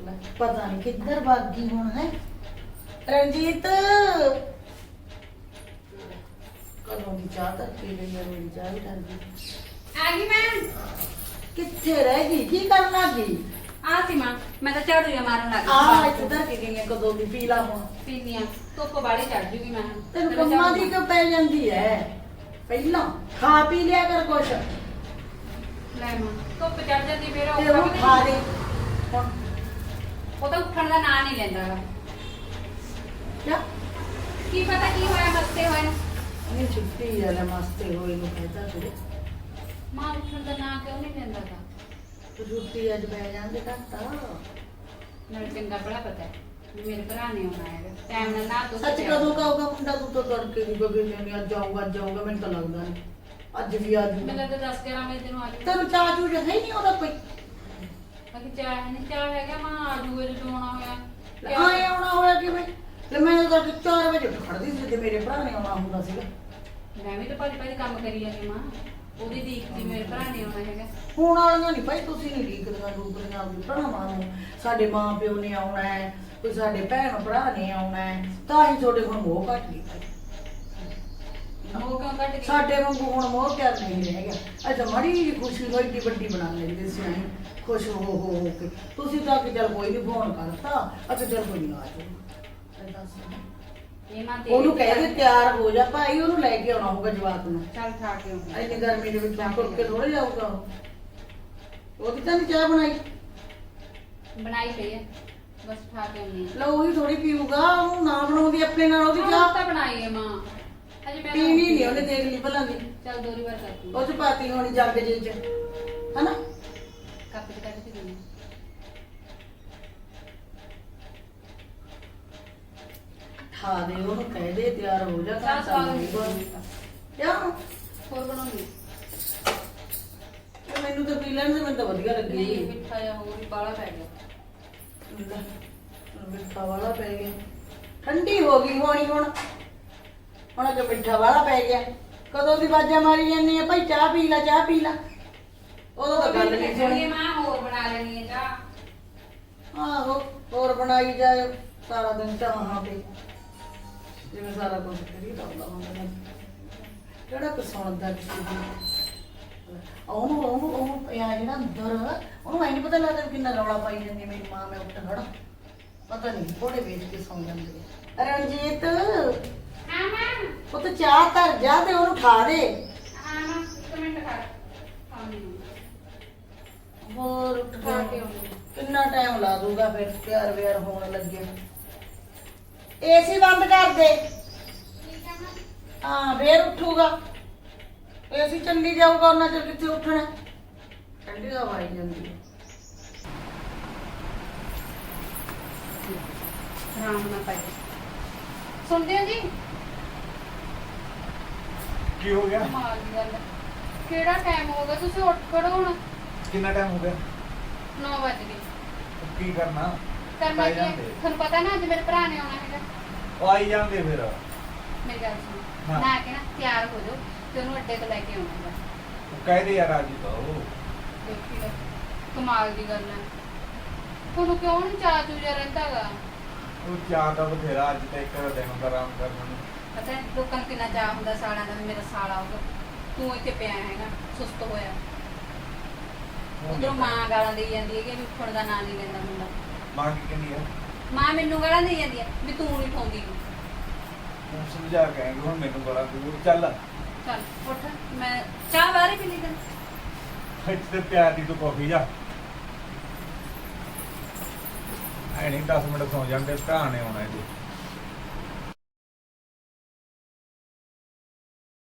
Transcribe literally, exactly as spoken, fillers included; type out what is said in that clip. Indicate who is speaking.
Speaker 1: ਲੈ, ਪਤਾ ਨਹੀਂ ਕਿੱਧਰ ਭੱਗ ਗਈ ਹੁਣ ਹੈ ਰਣਜੀਤ। ਕਦੋਂ ਦੀ ਚਾਹ ਤਾਂ ਪੀ ਲਈ ਹੈ, ਮੇਰੀ ਚਾਹ ਵੀ ਡਰ ਗਈ।
Speaker 2: ਆ ਗਈ ਮੈਂ।
Speaker 1: ਕਿੱਥੇ ਰਹਿ ਗਈ, ਕੀ ਕਰਨਾ ਗਈ?
Speaker 2: ਆ ਸੀ ਮਾਂ, ਮੈਂ ਤਾਂ ਝਾੜੂ ਜਿਹਾ ਮਾਰਨ ਲੱਗ
Speaker 1: ਆ ਇੱਥੇ ਧਰ ਕੇ ਗਈ ਹੈ, ਕਦੋਂ ਦੀ ਪੀ ਲਾ ਹੁਣ।
Speaker 2: ਪੀਨੀ ਆ, ਧੁੱਪ ਬਾੜੀ ਚੜ ਜੂਗੀ ਮੈਂ।
Speaker 1: ਤੈਨੂੰ ਕੰਮਾਂ ਦੀ ਕਿਉਂ ਪੈ ਜਾਂਦੀ ਹੈ? ਪਹਿਲਾਂ ਖਾ ਪੀ ਲਿਆ ਕਰ ਕੁਛ।
Speaker 2: ਲੈ ਮਾਂ, ਧੁੱਪ ਚੜ ਜਾਂਦੀ ਫੇਰ
Speaker 1: ਤੇ ਉਹ ਖਾ ਦੇ ਹੁਣ।
Speaker 2: ਉਹ ਤਾਂ ਉੱਠਣ ਦਾ ਨਾਂ ਨਹੀਂ ਲੈਂਦਾ ਗਾ।
Speaker 1: ਕਿਆ
Speaker 2: ਕੀ ਪਤਾ ਕੀ ਹੋਇਆ, ਮਸਤੇ ਹੋਏ ਨੂੰ।
Speaker 1: ਨਹੀਂ ਛੁੱਟੀ ਹੈ ਲੈ, ਮਸਤੇ ਹੋਏ ਨੂੰ ਕਹਤਾ ਤੂੰ।
Speaker 2: ਮਾਂ ਉੱਠਣ ਦਾ ਨਾਂ ਕਿਉਂ ਨਹੀਂ ਲੈਂਦਾ ਗਾ?
Speaker 1: ਛੁੱਟੀ ਅੱਜ ਪੈ ਜਾਂਦੇ ਘੱਟਾ।
Speaker 2: ਮੈਨੂੰ ਚੰਗਾ ਬੜਾ ਪਤਾ ਹੈ ਵੀ ਮੇਰੇ ਭਰਾ ਨੇ ਆਉਣਾ ਹੈਗਾ ਟਾਈਮ ਨਾਲ ਨਾ। ਤੂੰ
Speaker 1: ਸੱਚ ਕਦੋਂ ਕਹੂਗਾ ਮੁੰਡਾ? ਤੂੰ ਤਾਂ ਤੜਕੇ ਦੀ ਬਗੇ ਨਹੀਂ, ਅੱਜ ਆਊਗਾ ਅੱਜ ਆਊਗਾ, ਮੈਨੂੰ ਤਾਂ ਲੱਗਦਾ ਨਹੀਂ ਅੱਜ ਵੀ ਆ
Speaker 2: ਮੈਨੂੰ
Speaker 1: ਜੂਗਾ।
Speaker 2: ਤਾਂ ਦਸ ਗਿਆਰਾਂ ਵਜੇ ਤੈਨੂੰ ਆ ਜੂ।
Speaker 1: ਤੈਨੂੰ ਚਾਹ ਚੂਹ ਹੈ ਨਹੀਂ ਉਹਦਾ ਕੋਈ?
Speaker 2: ਅਗੇ ਚਾਹ ਨਹੀਂ, ਚਾਹ ਹੈਗਾ ਮਾਂ, ਆ ਜੂਗੇ ਜਦੋਂ ਆਉਣਾ ਹੋਇਆ।
Speaker 1: ਆਏ ਆਉਣਾ ਹੋਇਆ ਕਿਵੇਂ? ਲੈ ਮੈਂ ਤਾਂ ਚਾਰ ਵਜੇ ਉੱਠ ਖੜਦੀ ਸੀ ਤੇ ਮੇਰੇ ਭਰਾ ਨੇ ਆਉਣਾ ਹੁੰਦਾ ਸੀਗਾ।
Speaker 2: ਮੈਂ ਵੀ ਤਾਂ ਭਾਜੀ ਭਾਜੀ ਕੰਮ ਕਰੀ ਜਾਂਦੀ ਮਾਂ, ਉਹਦੀ ਦੇਖਦੀ ਮੇਰੇ ਭਰਾ ਨੇ ਆਉਣਾ ਹੈਗਾ।
Speaker 1: ਹੁਣ ਵਾਲੀਆਂ ਨਹੀਂ ਭਾਈ, ਤੁਸੀਂ ਨਹੀਂ ਡੀਕਦੀਆਂ ਡੂਕਦੀਆਂ ਆਪਣੀ ਭਰਾਵਾਂ ਨੂੰ। ਸਾਡੇ ਮਾਂ ਪਿਓ ਨੇ ਆਉਣਾ ਹੈ, ਕੋਈ ਸਾਡੇ ਭੈਣ ਭਰਾ ਨੇ ਆਉਣਾ ਹੈ, ਤਾਂ ਹੀ ਤੁਹਾਡੇ ਹੁਣ ਮੋਹ ਘੱਟ ਗਈ ਭਾਈ।
Speaker 2: ਉਹ ਕਿਉਂ ਕੱਟ ਗਈ?
Speaker 1: ਸਾਡੇ ਵਾਂਗੂ ਹੁਣ ਮੋਹ ਪਿਆਰ ਨਹੀਂ ਰਹਿ ਗਿਆ। ਅੱਛਾ ਮਾੜੀ ਜਿਹੀ ਖੁਸ਼ੀ ਹੋਈ ਏਡੀ ਵੱਡੀ ਬਣਾ ਲੈਂਦੇ ਸੀ ਅਸੀਂ, ਖੁਸ਼ ਹੋ ਹੋ ਹੋ ਕੇ। ਤੁਸੀਂ ਤਾਂ ਕਿ ਚੱਲ ਕੋਈ ਨਹੀਂ ਫੋਨ ਕਰਤਾ, ਅੱਛਾ ਚੱਲ ਕੋਈ ਨਹੀਂ ਆ ਜਾਓ।
Speaker 2: ਇਹ ਮਾਂ ਤੇਰੀ
Speaker 1: ਉਹਨੂੰ ਕਹਿ ਦੇ ਤਿਆਰ ਹੋ ਜਾ ਭਾਈ, ਉਹਨੂੰ ਲੈ ਕੇ ਆਉਣਾ ਹੋਊਗਾ ਜਵਾਕ ਨੂੰ।
Speaker 2: ਚੱਲ ਖਾ ਕੇ ਆਉਂਦਾ।
Speaker 1: ਇੰਨੀ ਗਰਮੀ ਦੇ ਵਿੱਚ ਤੁਰ ਕੇ ਥੋੜੇ ਜਾਊਗਾ ਉਹ। ਉਹ ਕਿਤਾ ਨਹੀਂ ਚਾਹ ਬਣਾਈ?
Speaker 2: ਬਣਾਈ ਪਈ ਹੈ, ਬਸ ਖਾ ਕੇ ਆਉਂਦੀ ਹਾਂ।
Speaker 1: ਲਓ ਉਹੀ ਥੋੜੀ ਪੀਊਗਾ, ਉਹਨੂੰ ਨਾ ਬਣਾਉਂਦੀ ਆਪਣੇ ਨਾਲ ਉਹਦੀ
Speaker 2: ਚਾਹ
Speaker 1: ਚਾਹ।
Speaker 2: ਤਾਂ ਬਣਾਈ ਹੈ ਮਾਂ, ਅਜੇ ਮੈਂ
Speaker 1: ਪੀਣੀ ਨਹੀਂ ਉਹਨੇ, ਦੇਖ ਲਈ ਭਲਾਂ ਦੀ।
Speaker 2: ਚੱਲ ਦੋਰੀ ਵਾਰ ਕਰਦੀ
Speaker 1: ਉਹ ਚ ਪਾਤੀ ਹੋਣੀ ਜੱਗ ਜੇ ਚ, ਹਨਾ?
Speaker 2: ਕੱਪ ਚ ਕੱਢ ਕੇ ਦਿੰਦੀ।
Speaker 1: ਠਾ ਦੇ ਉਹਨੂੰ, ਕਹਿ ਦੇ ਤਿਆਰ ਹੋ ਜਾ।
Speaker 2: ਚਾਹ ਸਵਾਦ ਨਹੀਂ
Speaker 1: ਕਿਆ
Speaker 2: ਹੋਰ ਬਣਾਉਂਦੀ।
Speaker 1: ਮੈਨੂੰ ਤਾਂ ਪੀ ਲੈਣ ਦੇ, ਮੈਨੂੰ ਤਾਂ ਵਧੀਆ
Speaker 2: ਨਹੀਂ
Speaker 1: ਲੱਗੀ।
Speaker 2: ਮਿੱਠਾ ਜਿਹਾ ਹੋਰ ਹੀ ਬਾਹਲਾ ਪੈ ਗਿਆ।
Speaker 1: ਮਿੱਠਾ ਵਾਲਾ ਪੈ ਗਿਆ, ਠੰਡੀ ਹੋ ਗਈ ਹੋਣੀ ਹੁਣ। ਹੁਣ ਅੱਗੇ ਮਿੱਠਾ ਵਾਲਾ ਪੈ ਗਿਆ। ਕਦੋਂ ਦੀ ਬਾਜਾਂ ਮਾਰੀ ਜਾਂਦੀ ਆ ਭਾਈ, ਚਾਹ ਪੀ ਲੈ ਚਾਹ ਪੀ ਲੈ। ਉਦੋਂ ਤਾਂ ਗੱਲ ਨਹੀਂ ਸੁਣੀ।
Speaker 2: ਮਾਂ ਹੋਰ ਬਣਾ ਲੈਣੀ ਹੈ ਚਾਹ।
Speaker 1: ਆਹੋ ਹੋਰ ਬਣਾਈ ਜਾਏ ਸਾਰਾ ਦਿਨ ਚਾਹਾਂ ਤੇ, ਜਿਵੇਂ ਸਾਰਾ ਕੁਝ ਕਰੀ ਤਾਂ ਹੁੰਦਾ। ਕਿਹੜਾ ਕੁ ਸੁਣਦਾ ਕਿਸੇ ਦੀ? ਉਹਨੂੰ ਉਹਨੂੰ ਉਹਨੂੰ ਪਿਆ ਜਿਹੜਾ ਅੰਦਰ, ਉਹਨੂੰ ਐ ਨਹੀਂ ਪਤਾ ਲੱਗਦਾ ਵੀ ਕਿੰਨਾ ਰੌਲਾ ਪਾਈ ਜਾਂਦੀ ਮੇਰੀ ਮਾਂ। ਮੈਂ ਉੱਠ ਖੜਾ, ਪਤਾ ਨਹੀਂ ਘੋੜੇ ਵੇਚ ਕੇ ਸੌਂ ਜਾਂਦੀ ਹੈ। ਰਣਜੀਤ
Speaker 2: ਹਾਂ ਮਾਂ।
Speaker 1: ਉਹ ਤਾਂ ਚਾਹ ਧਰ ਜਾ ਤੇ ਉਹਨੂੰ ਠਾ ਦੇ।
Speaker 2: ਹਾਂ ਮਾਂ, ਇੱਕ ਮਿੰਟ ਖਾ ਆਉਂਦੀ ਹਾਂ।
Speaker 1: ਹੋਰ ਉੱਠ
Speaker 2: ਖਾ ਕੇ
Speaker 1: ਕੇ
Speaker 2: ਆਉਂਦੀ ਹਾਂ।
Speaker 1: ਕਿੰਨਾ ਟਾਈਮ ਲਾ ਦੂਗਾ ਫਿਰ ਤਿਆਰ ਵਿਆਰ ਹੋਣ ਲੱਗੇ। ਏਸੀ ਬੰਦ ਕਰ ਦੇ।
Speaker 2: ਠੀਕ ਹੈ ਮਾਂ।
Speaker 1: ਹਾਂ ਫੇਰ ਉੱਠੂਗਾ। ਏਸੀ ਚੱਲੀ ਜਾਊਗਾ ਉਹਨਾਂ ਚਿਰ ਕਿੱਥੇ ਉੱਠਣਾ। ਠੰਡੀ ਹਵਾ ਆਈ ਜਾਂਦੀ ਹੈ।
Speaker 2: ਆਰਾਮ ਨਾਲ ਪਾਈ ਸੁਣਦੇ ਹੋ ਜੀ?
Speaker 3: ਕੀ ਹੋ ਗਿਆ?
Speaker 2: ਕਮਾਲ ਦੀ ਗੱਲ ਹੈ। ਕਿਹੜਾ ਟਾਈਮ ਹੋ ਗਿਆ, ਤੁਸੀਂ ਉੱਠ ਖੜੋ ਹੁਣ।
Speaker 3: ਕਿੰਨਾ ਟਾਈਮ ਹੋ ਗਿਆ?
Speaker 2: ਨੌ ਵੱਜ ਗਏ।
Speaker 3: ਕੀ ਕਰਨਾ?
Speaker 2: ਕਰਨਾ
Speaker 3: ਪਾਈ
Speaker 2: ਕੀ ਹੈ?
Speaker 3: ਜਾਂਦੇ।
Speaker 2: ਤੁਹਾਨੂੰ ਪਤਾ ਨਾ ਅੱਜ ਮੇਰੇ ਭਰਾ ਨੇ ਆਉਣਾ ਹੈਗਾ।
Speaker 3: ਉਹ ਆਈ ਜਾਂਦੇ ਫਿਰ।
Speaker 2: ਮੇਰੀ ਗੱਲ ਸੁਣੋ,
Speaker 3: ਹਾਂ।
Speaker 2: ਨਾ ਕੇ ਨਾ ਤਿਆਰ ਹੋ ਜਾਓ ਤੇ ਉਹਨੂੰ ਅੱਡੇ ਤੋਂ ਲੈ ਕੇ ਆਉਣਾ ਹੈਗਾ।
Speaker 3: ਉਹ ਕਹਿ ਦੇ ਯਾਰ ਅੱਜ ਤਾਂ ਉਹ
Speaker 2: ਦੇਖੀ ਲੈ, ਕਮਾਲ ਦੀ ਗੱਲ ਹੈ। ਤੁਹਾਨੂੰ ਕਿਉਂ ਨਹੀਂ ਚਾਹ ਚੂਜਾ ਰਹਿੰਦਾ ਗਾ?
Speaker 3: ਉਹ ਚਾਹ ਦਾ ਬਥੇਰਾ, ਅੱਜ ਤਾਂ ਇੱਕ ਦਿਨ ਦਾ ਆਰਾਮ ਕਰਨਾ ਨੂੰ।
Speaker 2: ਪਤਾ ਹੈ ਲੋਕਾਂ ਨੂੰ ਕਿੰਨਾ ਚਾਹ ਹੁੰਦਾ ਸਾਲਾਂ ਦਾ ਵੀ ਮੇਰਾ ਸਾਲ ਆਊਗਾ। ਤੂੰ ਇੱਥੇ ਪਿਆ ਹੈਗਾ ਸੁਸਤ ਹੋਇਆ। ਉਧਰੋਂ ਮਾਂ ਗਾਲਾਂ ਦੇਈ ਜਾਂਦੀ ਹੈ ਕਿ ਵੀ ਉੱਠਣ ਦਾ ਨਾਂ ਨਹੀਂ ਲੈਂਦਾ ਮੁੰਡਾ।
Speaker 3: ਮਾਂ ਕੀ ਕਹਿੰਦੀ ਆ?
Speaker 2: ਮਾਂ ਮੈਨੂੰ ਗਾਲਾਂ ਦੇਈ ਜਾਂਦੀ ਹੈ ਵੀ ਤੂੰ ਨਹੀਂ ਠਾਉਂਦੀ।
Speaker 3: ਤੂੰ ਸਮਝਾ ਕੇ ਆਏਂਗੇ ਹੁਣ ਮੈਨੂੰ ਬੜਾ ਦੂਰ ਚੱਲ।
Speaker 2: ਚੱਲ ਉੱਠ, ਮੈਂ ਚਾਹ ਬਾਹਰ ਹੀ ਪੀ ਲਈ ਤੈਨੂੰ।
Speaker 3: ਇੱਥੇ ਪਿਆਰ ਦੀ ਤੂੰ ਕਾਫੀ ਜਾ। ਐ ਨਹੀਂ ਦਸ ਮਿੰਟ ਸੌਂ ਜਾਂਦੇ, ਭਰਾ ਨੇ ਆਉਣਾ ਜੀ।